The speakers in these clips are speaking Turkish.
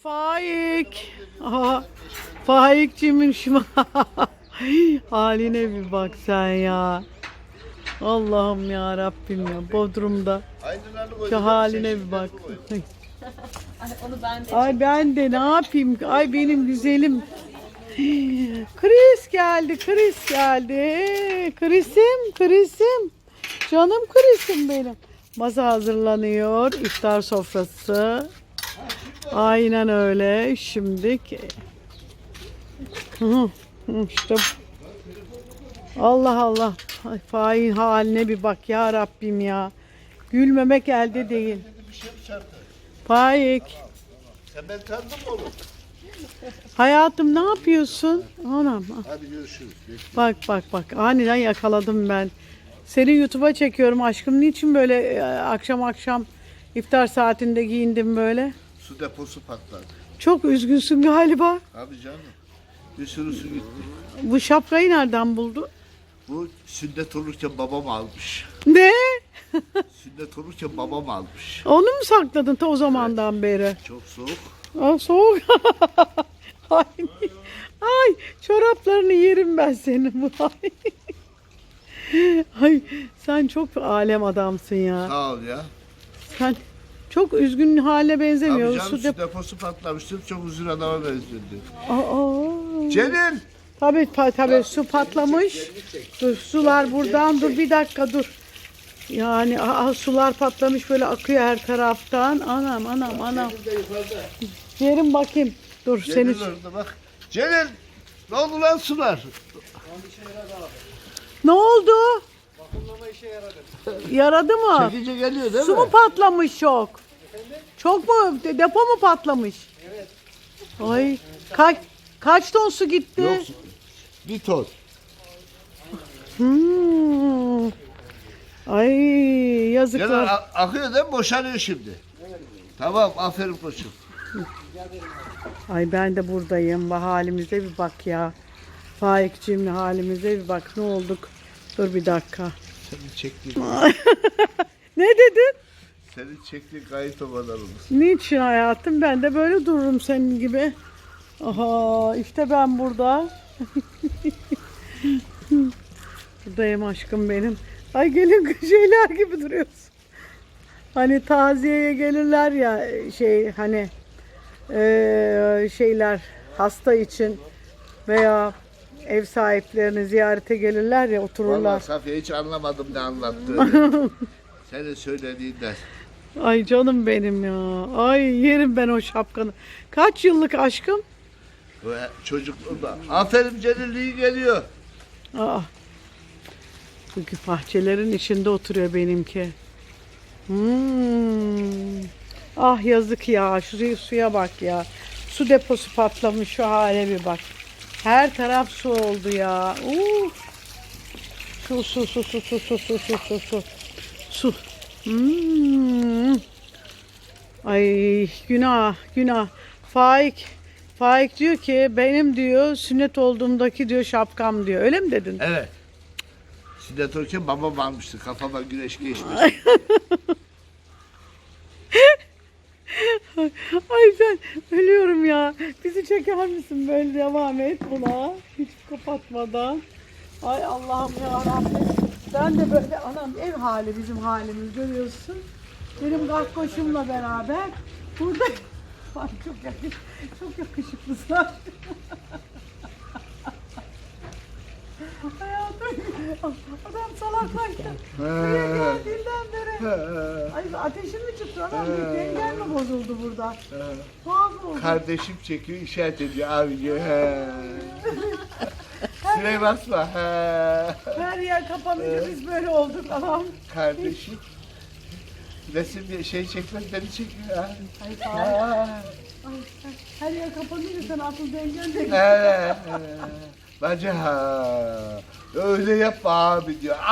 Faik. Aha, Faikciğimin şu haline bir bak sen ya. Allah'ım ya Rabbim ya. Bodrum'da şu haline bir bak. Onu ben de Ay ben de ne yapayım? Ay benim güzelim. Chris geldi, Chris geldi. Chris'im. Canım Chris'im benim. Masa hazırlanıyor. İftar sofrası. Aynen öyle. Şimdilik. İşte Allah Allah. Ay, fain haline bir bak ya Rabbim ya. Gülmemek elde değil. Faik. Sen ben tanıdın mı oğlum? Hayatım ne yapıyorsun? Anam. Hadi görüşürüz. Bak. Aniden yakaladım ben. Seni YouTube'a çekiyorum aşkım. Niçin böyle akşam iftar saatinde giyindim böyle? Su deposu patladı. Çok üzgünsün galiba. Abi canım. Bir sürü su gitti. Bu şapkayı nereden buldun? Bu sünnet olurken babam almış. Ne? Sünnet olurken babam almış. Onu mu sakladın ta o zamandan beri? Çok soğuk. Aa, soğuk. Ay, çoraplarını yerim ben senin. Ay, sen çok alem adamsın ya. Sağ ol ya. Sen çok üzgün hale Abi benzemiyor. canım su deposu patlamıştı. Çok üzgün adama benziyordu. Aa. Celil! Tabii su patlamış. Dur, sular buradan dur bir dakika dur. Yani sular patlamış böyle akıyor her taraftan. Anam. Yerim bakayım. Dur Celil seni. orada bak. Celil! Ne oldu lan sular? Ne oldu? Yaradı mı? Çekince geliyor değil Su mi? mu patlamış çok? Çok mu? Depo mu patlamış? Evet. Ay kaç ton su gitti? Yok. Bir ton. Ay Celil yazıklar. akıyor değil mi? Boşanıyor şimdi. Tamam aferin koçum. Ay ben de buradayım. Bu halimize bir bak ya. Faikciğimle halimize bir bak. Ne olduk? Dur bir dakika. Seni çektiğin, Ne dedin? seni çektiğin kayıt o kadar olur. Niçin hayatım? Ben de böyle dururum senin gibi. Aha işte ben burada. Buradayım aşkım benim. Ay gelin şeyler gibi duruyorsun. Hani taziyeye gelirler ya hani şeyler hasta için veya ev sahiplerini ziyarete gelirler ya otururlar. Vallahi Safiye hiç anlamadım ne anlattığını. Senin söylediğinden. Ay canım benim ya. Ay yerim ben o şapkanı. Kaç yıllık aşkım? Ve çocukluğumda. Aferin Celil iyi geliyor. Aa. Çünkü bahçelerin içinde oturuyor benimki. Ah yazık ya. Şuraya suya bak ya. Su deposu patlamış şu hale bir bak. Her taraf su oldu ya. Su. Ay günah. Faik diyor ki benim diyor sünnet olduğumdaki diyor şapkam diyor. Öyle mi dedin? Evet. Sünnet olurken babam almıştı. Kafama güneş geçmiş. Ay ben ölüyorum ya. Bizi çeker misin böyle devam et buna. Hiç kapatmadan. Ay Allah'ım ya Rabbim. Ben de böyle anam ev hali bizim halimiz görüyorsun. Benim gakkoşumla beraber burada ay çok yakışıklısın. Hayatım adam salaklaştı. Buraya geldiğinden beri. Ay ateşin mi çıktı anam? Bir dengen mi bozuldu burada? Tuhaf oldu. Kardeşim çekiyor işaret ediyor abi diyor. Süreye basma. Her yer kapanınca biz böyle olduk anam. Kardeşim. Resim bir şey çekmez beni çekiyor abi. Ay sağ ol. Her yer kapanınca sen asıl dengen de Bence öyle yapma abi diyor.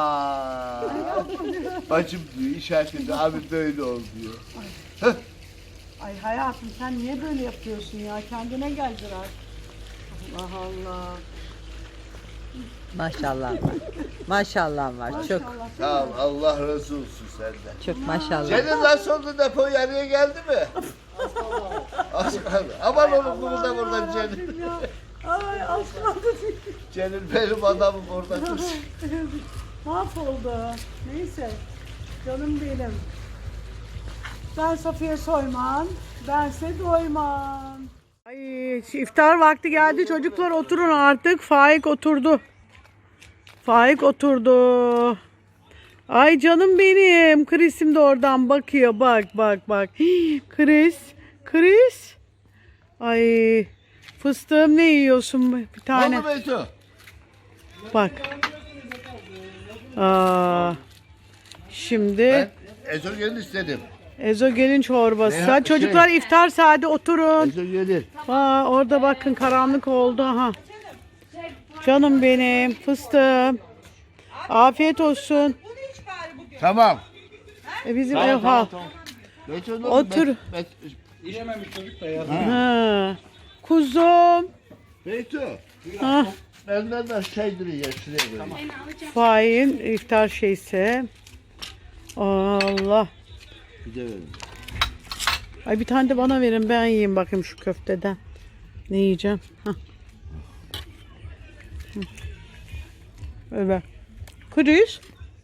Bacım diyor işaret ediyor abi böyle ol diyor. Ay hayatım sen niye böyle yapıyorsun ya? Kendine gel biraz. Allah Allah. maşallah var. Maşallah var. Çok Maşallah. Sağ ol Allah razı olsun senden. çok maşallah. Senin nasıl oldu depo yarıya geldi mi? Az kaldı. Aman oğlum bunu da buradan Celil. Ya. Ay az kaldı. Celil benim adamım orada dur. Mahvoldu. Neyse. Canım benim. Ben Safiye Soyman. Bense doymam. Ay iftar vakti geldi. Çocuklar oturun artık. Faik oturdu. Faik oturdu. Ay canım benim. Chris'im de oradan bakıyor. Bak bak bak. Hii, Chris. Chris. Ay fıstığım ne yiyorsun bir tane? Oldu Beyto. Bak. Şimdi Ben ezogelin istedim. ezogelin çorbası. Ne- Hadi çocuklar şey- iftar saati oturun. Ezogelin. Orada bakın karanlık oldu. Aha. Canım benim fıstığım. Afiyet olsun. Tamam. Bizim ev ha. Beyto ne Otur. oldu? İşememiş çocuk da ya. Ha. Kuzum. Beyto. Ha. Benden de şeydir ya şuraya koyayım. Fahin iftar şeyse. Allah. Bir de verin. Ay bir tane de bana verin ben yiyeyim bakayım şu köfteden. Ne yiyeceğim? Hah. Hı. Öyle. Kriz.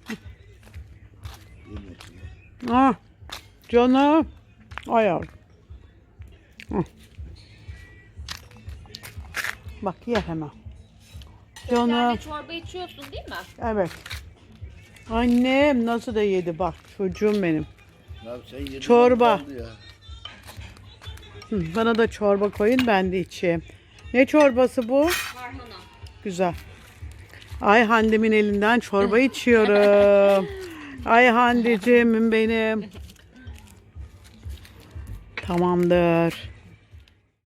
Ah. Canım. Ay yavrum. Hı. Bak ye hemen. Canım. Yani çorba içiyorsun değil mi? Evet. Annem nasıl da yedi bak çocuğum benim. Ya sen yedin Çorba. kaldı ya. Hı, bana da çorba koyun ben de içeyim. Ne çorbası bu? Harmona. Güzel. Ay Hande'min elinden çorba içiyorum. Ay Hande'cim benim. Tamamdır.